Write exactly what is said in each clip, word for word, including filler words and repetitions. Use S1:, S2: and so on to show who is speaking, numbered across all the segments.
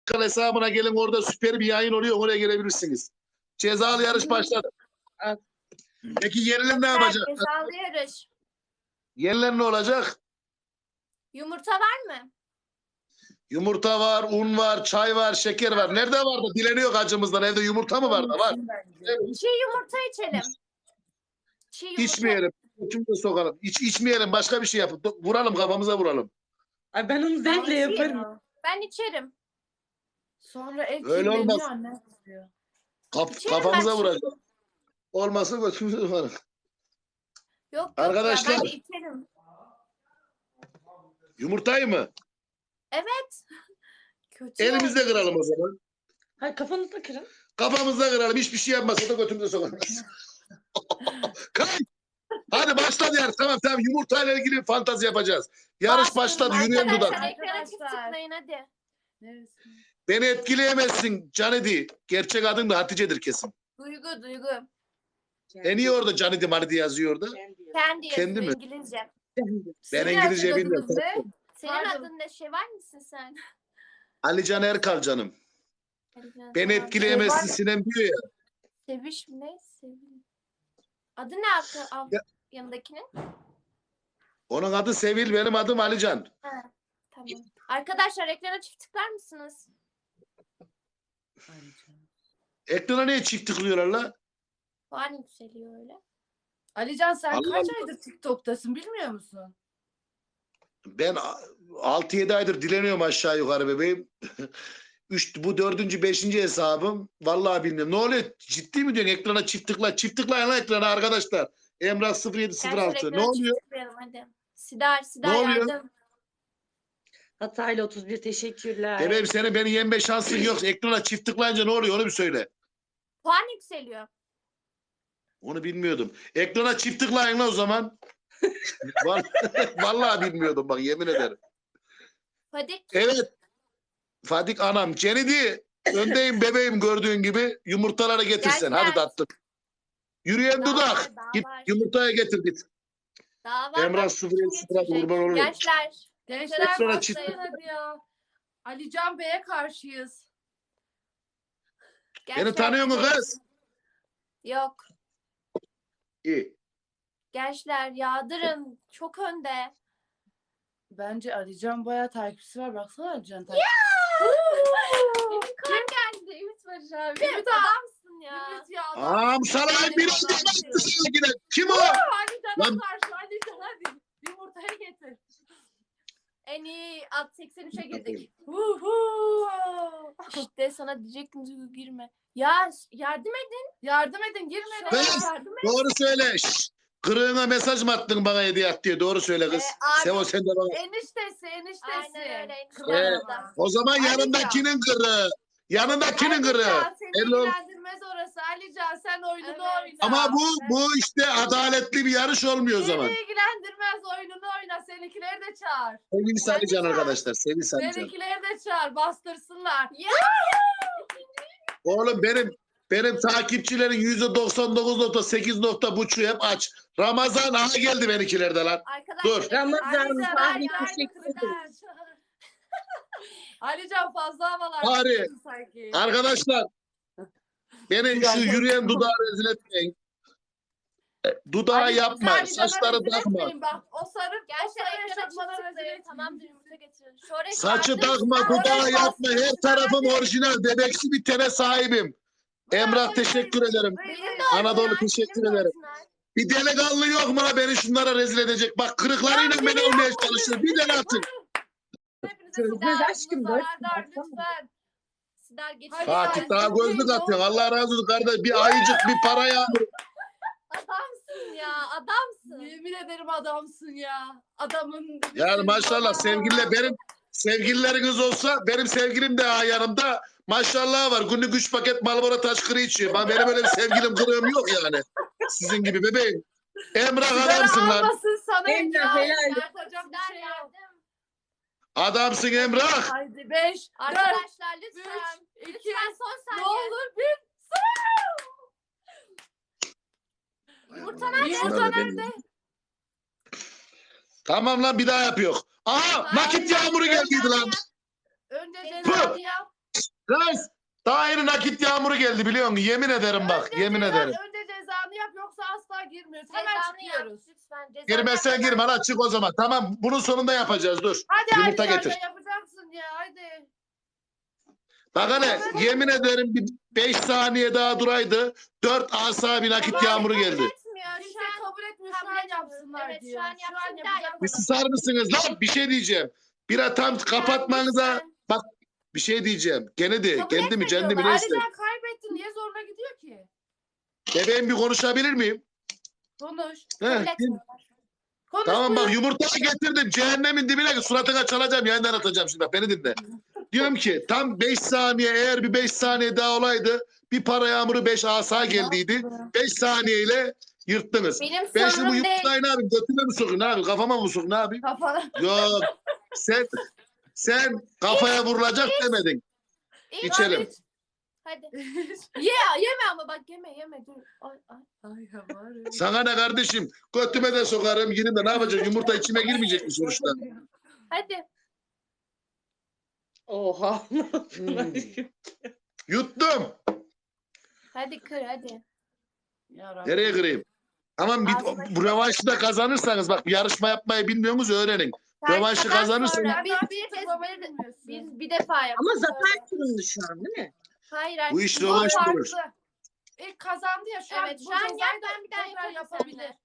S1: hesabına gelin, orada süper bir yayın oluyor, oraya gelebilirsiniz. Cezalı yarış başladı. Peki yenilen ne yapacak?
S2: Cezalı yarış.
S1: Yenilen ne olacak?
S2: Yumurta var mı?
S1: Yumurta var, un var, çay var, şeker var. Nerede vardı? Dileniyor acımızdan. Evde yumurta mı vardı? Var.
S2: Çiğ yumurta içelim. Çiğ yumurta.
S1: İçmeyelim. Şimdi sokalım. İç, içmeyelim. Başka bir şey yapıp vuralım, kafamıza vuralım.
S3: Ay ben onu zevkle yaparım.
S2: Ben içerim.
S3: Sonra ev
S1: Öyle olmaz.
S3: kirleniyor, annem kızıyor.
S1: Kaf,
S2: İçerim
S1: kafamıza
S2: ben
S1: vuracağız. Olmazsa götümüze vuralım.
S2: Yok yok
S1: Arkadaşlar.
S2: ya, ben içerim.
S1: Yumurtayı mı?
S2: Evet. Kötü
S1: Elimizde
S2: oldu.
S1: kıralım o zaman.
S3: Hayır, kafanızda kırın.
S1: Kafamızda kıralım. Hiçbir şey yapmasa da götümüze sokalım. Hadi başladı yarış. Tamam tamam. Yumurtayla ilgili fantazi yapacağız. Yarış başladı. Yürüyen dudak.
S2: Arkadaşlar ekrana çift tıklayın hadi.
S3: Neresi?
S1: Beni etkileyemezsin Canidi. Gerçek adın da Hatice'dir kesin.
S2: Duygu duygu.
S1: E niye orada Canidi Manidi yazıyor orada?
S2: Kendi yazıyor
S1: Kendi mi?
S2: İngilizce.
S1: Ben İngilizce bilmiyorum.
S2: Senin
S3: Pardon.
S2: adın ne, şey var mısın sen?
S1: Ali Can Erkal canım. Beni
S2: Tamam.
S1: etkileyemezsin
S3: Şey var
S1: Sinem diyor ya.
S2: Seviş mi ne? Seviş. Adı ne arka, av,
S1: Ya-
S2: yanındakinin?
S1: Onun adı Sevil, benim adım Ali Can.
S2: Ha, tamam. Arkadaşlar ekrana çift tıklar mısınız?
S1: Ekrana niye çift tıklıyorlar la?
S2: Puan yükseliyor öyle.
S3: Alican sen
S1: Allah
S3: kaç
S1: Allah.
S3: aydır TikTok'tasın bilmiyor musun?
S1: Ben altı yedi aydır dileniyorum aşağı yukarı bebeğim. Üç, bu dördüncü, beşinci hesabım. Vallahi bilmiyorum. Ne oluyor? Ciddi mi diyorsun? Ekrana çift tıkla. Çift tıklayın lan ekrana arkadaşlar. Emrah sıfır yedi sıfır
S2: Gençler
S1: altı.
S2: ekrana
S1: Ne
S2: çift
S1: oluyor?
S2: tıklayalım hadi. Sidar, Sidar
S1: Ne oluyor?
S2: yardım.
S3: Hataylı otuz bir teşekkürler.
S1: Bebeğim senin beni yenme şansın yok. Ekrana çift tıklayınca ne oluyor? Onu bir söyle.
S2: Puan yükseliyor.
S1: Onu bilmiyordum. Ekrana çift tıklayın lan o zaman. Vallahi, vallahi bilmiyordum bak, yemin ederim.
S2: Fadik.
S1: Evet. Fadik anam. Kennedy. Öndeyim bebeğim, gördüğün gibi. Yumurtaları getirsen.
S2: Gel,
S1: Hadi
S2: gel.
S1: tatlım. Yürüyen
S2: Daha
S1: dudak.
S2: var, daha
S1: Git
S2: var.
S1: yumurtaya getir git.
S2: Daha var.
S1: Emrah
S2: bak,
S1: sıfır
S2: kim
S1: yedi sıfır altı
S2: getirecek?
S1: kurban olurum.
S2: Gençler.
S3: Gençler
S1: Ekrana
S3: başlayın
S1: çift-
S3: hadi ya. Alican Bey'e karşıyız.
S2: gençler
S1: Beni tanıyor mu
S2: hadi.
S1: kız?
S2: Yok.
S1: İyi.
S2: Gençler yağdırın. Çok önde.
S3: Bence Alican bayağı takipçisi var. Baksana Alican takipçisi.
S2: Benim kan geldi. Ümit Barış abi.
S3: Ümit
S2: Ümit adamsın ya.
S3: Ümit ya.
S1: Am sana bir yine. Kim o?
S3: Alican'a
S1: Lan-
S3: karşı Alican hadi. Yumurtayı getir.
S2: En iyi at seksen üçe girdik.
S3: Huhu.
S2: İşte sana diyecektim Duygu girme. Ya yardım edin.
S3: Yardım edin girmedi.
S1: Kız,
S3: Yardım edin.
S1: Doğru söyle. Şşş. Kırığına mesaj mı attın bana hediye at diye? Doğru söyle kız.
S2: Ee, abi-
S1: Sevo sen de bana.
S3: Eniştesi eniştesi.
S2: Aynen öyle.
S1: Evet.
S2: Kıvamda.
S1: O zaman
S3: Alican.
S1: yanındakinin kırığı. Yanındakinin kırığı.
S3: Alican seni
S1: Hello.
S3: ilgilendirmez orası. Alican sen oyununu
S2: Evet.
S3: oyna.
S1: Ama bu bu işte adaletli bir yarış olmuyor o zaman.
S3: Seni ilgilendirmez oyununu oyna. Seninkileri de çağır.
S1: Sevgili Sarıcan arkadaşlar. Sevgili Sarıcan.
S3: Seninkileri de çağır. Bastırsınlar.
S2: Ya.
S1: Oğlum benim benim takipçilerin yüzde doksan dokuz nokta sekiz nokta buçuğu hep aç. Ramazan aha geldi benimkilerde lan.
S2: Arkadaşlar.
S1: Dur.
S3: Ramazan,
S2: Arkadaşlar,
S3: Fahri,
S2: arkadaşlar,
S3: teşekkür
S2: arkadaşlar.
S3: Alican fazla havalar.
S1: Fahri,
S3: yapıyorsun sanki.
S1: Arkadaşlar beni şu yürüyen dudağı rezil etmeyin. Dudağı
S3: Ali-
S1: yapma.
S3: Alican'a
S1: Saçları
S3: rezil
S1: takma.
S3: etmeyin Bak o sarı, o
S2: Gençler
S3: sarı
S2: ekrana
S3: yaşatmaları
S2: çift
S3: rezil
S2: tıklayın.
S3: etmeyin.
S2: Tamamdır yumurta getirin. Şöyle
S1: Saçı
S2: yardım-
S1: takma,
S3: Oraya
S1: dudağı yapma. Her
S3: bastırın,
S1: tarafım
S3: hadi.
S1: orijinal. Bebeksi bir tene sahibim. Emrah
S3: Bravo,
S1: teşekkür
S3: bravo,
S1: ederim.
S3: bravo.
S2: Benim de
S1: Anadolu
S2: orijinal,
S1: teşekkür
S2: benim de
S1: ederim.
S2: orijinal.
S1: Bir delikanlı yok mu ha beni şunlara rezil edecek? Bak kırıklarıyla beni almaya çalışıyor. Bir tane atın.
S3: Hepinize
S2: Çocuklar
S3: Sidar,
S2: aşkım,
S3: Sidar,
S2: dört
S3: lütfen.
S2: lütfen. Sidar geçiyor.
S3: Hadi
S1: Fatih
S3: ya,
S1: daha
S3: üzülmeyin,
S1: gözlük
S3: ne
S1: atıyor.
S3: olur.
S1: Allah razı olsun kardeş. Bir ayıcık bir para yağmuru.
S2: Adamsın ya, adamsın.
S3: Yemin ederim adamsın ya. Adamın.
S1: Yani maşallah
S3: Aa.
S1: sevgililer benim sevgilileriniz olsa benim sevgilim de ha yanımda. Maşallah var. Günlük üç paket Marlboro Taşkırı içiyor. Ben benim öyle bir sevgilim kırığım yok yani. Sizin gibi bebeğim. Emrah
S3: Sidar
S1: adamsın lan.
S3: almasın sana.
S4: Emrah,
S3: ya.
S4: helal.
S3: Yapacak bir
S2: Sidar
S3: şey yok.
S2: yardım.
S1: Adamsın Emrah.
S3: Haydi beş, dört,
S2: Arkadaşlar lütfen.
S3: üç, iki,
S2: Lütfen son
S3: ne
S2: saniye.
S3: olur bir.
S2: Yumurta nerede?
S3: Yumurta nerede?
S1: Tamam lan bir daha yapıyor. Aha nakit yağmuru geldiydi lan.
S3: Önce
S2: Pı!
S3: cezalı yap.
S1: Kız daha yeni nakit yağmuru geldi biliyor musun? Yemin ederim bak.
S3: Önce
S1: yemin
S3: ceza-
S1: ederim.
S3: Önce cezanı yap yoksa asla girmiyoruz. Hemen
S2: Cezanı yap
S3: çıkıyoruz.
S2: lütfen. Cezanı
S1: Girmezsen
S2: yapmadan-
S1: girme lan çık o zaman. Tamam bunun sonunda yapacağız dur.
S3: Hadi
S1: Yumurta
S3: hadi
S1: getir.
S3: getir. Yapacaksın ya hadi.
S1: Bak hele yemin ederim bir beş saniye daha duraydı. Dört asa bir nakit
S2: Ama
S1: yağmuru
S2: kabul
S1: geldi.
S2: etmiyor.
S3: Kimse
S2: Şu an
S3: kabul etmiyor. Şu
S2: kabul
S3: an
S2: etmiyor.
S3: yapsınlar
S2: Evet, şu
S3: diyor.
S2: an yapsın, bir daha
S3: yapacaklar.
S1: Bir susar mısınız lan? Bir şey diyeceğim. Bir tam kapatmanıza
S2: lütfen.
S1: bir şey diyeceğim. Gene de
S2: Kabul
S1: kendi mi
S2: etme
S1: kendi mi
S2: diyorlar.
S1: neyse.
S3: Alican kaybetti. Niye zoruna gidiyor ki?
S1: Bebeğim bir konuşabilir miyim?
S3: Konuş.
S2: Kabul
S1: Heh,
S2: etmiyorlar.
S3: Konuş
S1: tamam bak
S3: buyur.
S1: yumurtayı getirdim. Cehennemin dibine suratına çalacağım. Yayından atacağım şimdi bak beni dinle. Diyorum ki tam beş saniye eğer bir beş saniye daha olaydı bir para yağmuru beş asa geldiydi. beş saniyeyle yırttınız.
S2: Benim
S1: Ben şimdi bu
S2: sorunum değil.
S1: yumurtayı ne yapayım? Götüme mi sokayım? Ne yapayım? Kafama mı sokayım? Ne yapayım?
S3: Kafana.
S1: Yok. Sen sen kafaya vurulacak demedin.
S2: İç,
S1: İçelim.
S2: iç. Hadi. Ye, yeme ama bak yeme yeme dur. Ay, ay.
S3: Ay yamarım.
S1: Sana ne kardeşim? Götüme de sokarım. Yine de ne yapacağım? Yumurta içime girmeyecek mi sonuçta?
S2: Hadi.
S4: Oha.
S1: Hmm. Yuttum.
S2: Hadi kır hadi.
S3: Yarabbim.
S1: Nereye kırayım? Tamam bir,
S2: Ağzına-
S1: bu revanşı da kazanırsanız bak yarışma yapmayı bilmiyorsunuz öğrenin. Rövanşı
S2: Şarkıdan
S1: kazanırsın.
S2: sonra
S3: Sen
S2: Biz,
S3: daha bir
S2: biz,
S3: tıklamayı bilmiyorsun.
S2: biz bir defa yaptık.
S4: Ama
S2: sonra-
S4: zafer turunda şu an değil mi?
S2: Hayır hayır.
S1: Bu iş
S3: Bu
S1: rövanş
S3: farklı.
S1: olur.
S3: İlk kazandı ya şu an.
S2: Evet
S3: bu
S2: şu an
S3: cezayı
S2: yap
S3: da
S2: ben bir daha
S3: tekrar
S2: yaparım
S3: yapabilir.
S2: seninle.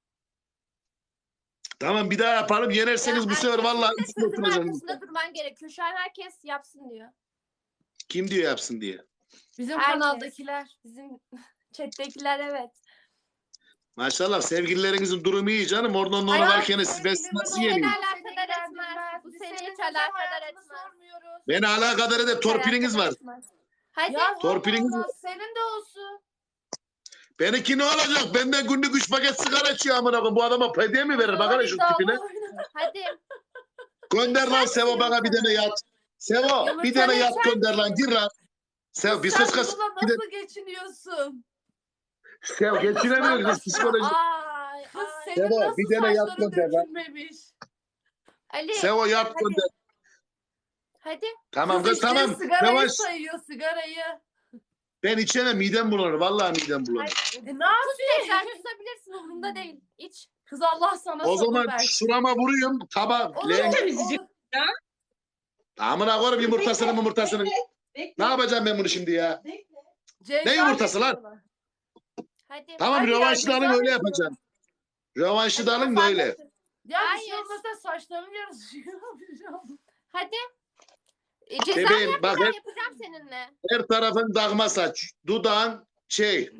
S1: Tamam bir daha yapalım. Yenerseniz
S2: Ya
S1: bu sefer
S2: herkesin
S1: vallahi
S2: de
S1: üstüne
S2: sözün
S1: oturacağım.
S2: arkasında durman gerekiyor. Şu an herkes yapsın diyor.
S1: Kim diyor yapsın diye.
S3: Bizim
S2: Herkes.
S3: kanaldakiler.
S2: Bizim chat'tekiler evet.
S1: Maşallah sevgililerinizin durumu iyi canım. Oradan da
S3: Ay,
S1: ona
S3: ay,
S1: varken siz ben sizi
S3: sevgilimiz
S1: nasıl
S2: Seni
S1: yeneyim?
S2: alakadar etmez. Bu
S3: Biz
S2: seni
S3: senin
S2: hiç
S3: özel
S2: alakadar
S3: hayatını
S2: etmez.
S3: sormuyoruz.
S1: Beni alakadar eder torpiliniz var.
S2: Hadi.
S3: Ya
S1: Torpiliniz
S3: Allah Allah, senin de olsun.
S1: Benimki ne olacak? Benden günlük üç paket sigara içiyor amına koyayım. Bu adama hediye mi verir? Bakana şu
S3: İddialı
S1: tipine.
S3: oyna.
S2: Hadi.
S1: Gönder lan Sevo bana bir tane yat. Sevo bir
S3: Yumurta
S1: tane
S3: ne
S1: yat
S3: içer
S1: gönder lan. Gir lan. Sevo bir
S3: Sen
S1: sus kız.
S3: bununla
S1: Bir de
S3: nasıl geçiniyorsun?
S1: Sevo geçiremiyoruz biz psikoloji.
S2: Ay,
S3: Kız
S2: ay.
S3: senin
S1: Sebo,
S3: nasıl
S1: bir tane yat
S3: saçların
S1: gönder lan.
S3: dökülmemiş?
S2: Ali.
S1: Sevo yat
S2: Hadi.
S1: gönder.
S2: Hadi.
S1: Tamam kız
S3: işte
S1: tamam.
S3: sigarayı
S1: Yavaş.
S3: sayıyor sigarayı.
S1: Ben içemem midem bulanır. Vallahi midem bulanır.
S3: E, ne
S2: Tut
S3: yapayım?
S2: tekrar kusabilirsin umurumda değil. İç.
S3: Kız Allah sana
S1: O
S3: sabır
S1: zaman
S3: versin.
S1: şurama vuruyorum. Tamam.
S3: Olur,
S1: Leğen.
S3: olur,
S4: temizleyecek.
S3: olur.
S1: Amına koyayım yumurtasını yumurtasını.
S4: Bekle.
S1: Ne yapacağım ben bunu şimdi ya?
S3: Ceza
S1: Ne yumurtası lan?
S3: bekliyorlar.
S2: Hadi.
S1: Tamam
S3: Hadi ya,
S1: rövanşı da alın
S3: ceza
S1: öyle
S3: bekliyorum.
S1: yapacağım. Rövanşı da
S2: Hadi
S1: alın
S2: kafan
S1: böyle.
S2: basın.
S3: Ya bir şey
S2: Hayır.
S3: olmasa saçlarım yarışıyor.
S2: Hadi. E, cezanı
S1: Bebeğim,
S2: yap,
S1: bak
S2: ben
S1: hep-
S2: yapacağım seninle.
S1: Her tarafın dağma saç. Dudağın şey.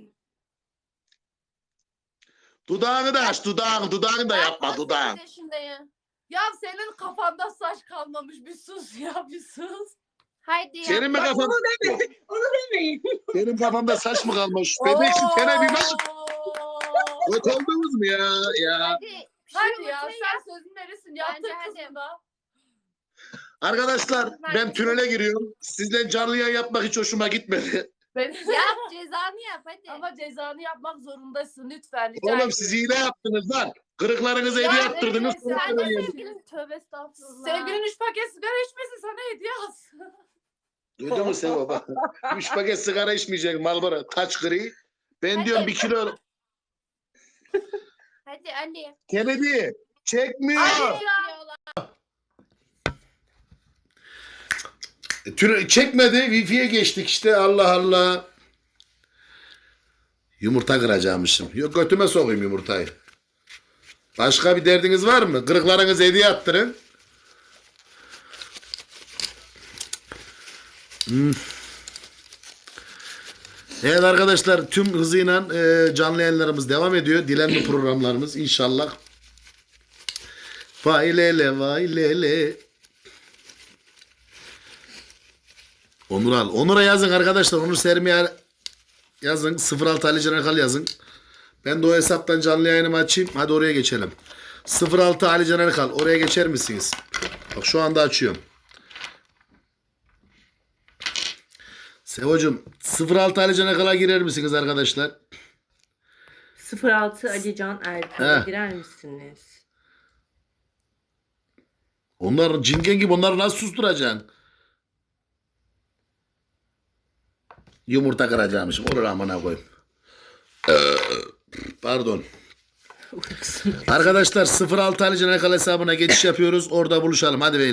S1: Dudağını da aç. Dudağını, dudağını da
S2: Ben
S1: yapma
S2: on sekiz
S1: dudağın.
S2: yaşındayım.
S3: Ya senin kafanda saç kalmamış. Bir sus ya bir sus.
S2: Haydi ya.
S1: Senin mi
S4: Bak
S1: kafan?
S4: onu deme. Onu demeyin.
S1: Benim kafamda saç mı kalmış? Bebeksin sana bir bak.
S3: Oo!
S1: Yok oldunuz mu ya? Ya.
S2: Hadi. Şu
S3: Hadi ya
S2: yumurtayı
S3: sen
S2: yap.
S3: sözün verirsin. Yaptın
S2: Bence hadi.
S3: kızında.
S1: Arkadaşlar ben tünele giriyorum. Sizden canlı yayın yapmak hiç hoşuma gitmedi.
S3: Ben...
S2: Yap cezanı yap hadi.
S3: Ama cezanı yapmak zorundasın lütfen. Rica
S1: Oğlum
S3: ediyorum.
S1: siz hile yaptınız lan. Kırıklarınızı hediye
S3: Ya
S1: yaptırdınız.
S3: evet,
S2: Sen de
S1: Sevgilim.
S2: sevgilin tövbe estağfurullah.
S3: Sevgilin üç paket sigara içmesin sana hediye alsın.
S1: Duydun mu Sevo bak. Üç paket sigara içmeyecek Marlboro. Kaç gri? Ben
S2: Hadi.
S1: diyorum bir kilo.
S2: Hadi Ali.
S1: Kennedy çekmiyor.
S3: Hadi ya.
S1: Tüne- çekmedi. Wi-Fi'ye geçtik işte. Allah Allah. Yumurta kıracağımışım. Yok götüme sokayım yumurtayı. Başka bir derdiniz var mı? Kırıklarınızı hediye attırın. Hmm. Evet arkadaşlar tüm hızıyla e, canlı yayınlarımız devam ediyor. Dilenme programlarımız inşallah. Vay lele vay lele. Onur al. Onur'a yazın arkadaşlar. Onur Sermiye yazın. sıfır altı Ali Can Erkal yazın. Ben de o hesaptan canlı yayınımı açayım. Hadi oraya geçelim. sıfır altı Ali Can Erkal. Oraya geçer misiniz? Bak şu anda açıyorum. Sevo'cum sıfır altı Ali Can Erkal'a girer misiniz arkadaşlar?
S4: sıfır altı Alican Erkal'a
S1: He.
S4: girer misiniz?
S1: Onlar cingen gibi onları nasıl susturacaksın? Yumurta kıracağımışım. Olur amına koyayım. Pardon. Arkadaşlar sıfır altı Ali Can Akal hesabına geçiş yapıyoruz. Orada buluşalım. Hadi beyler.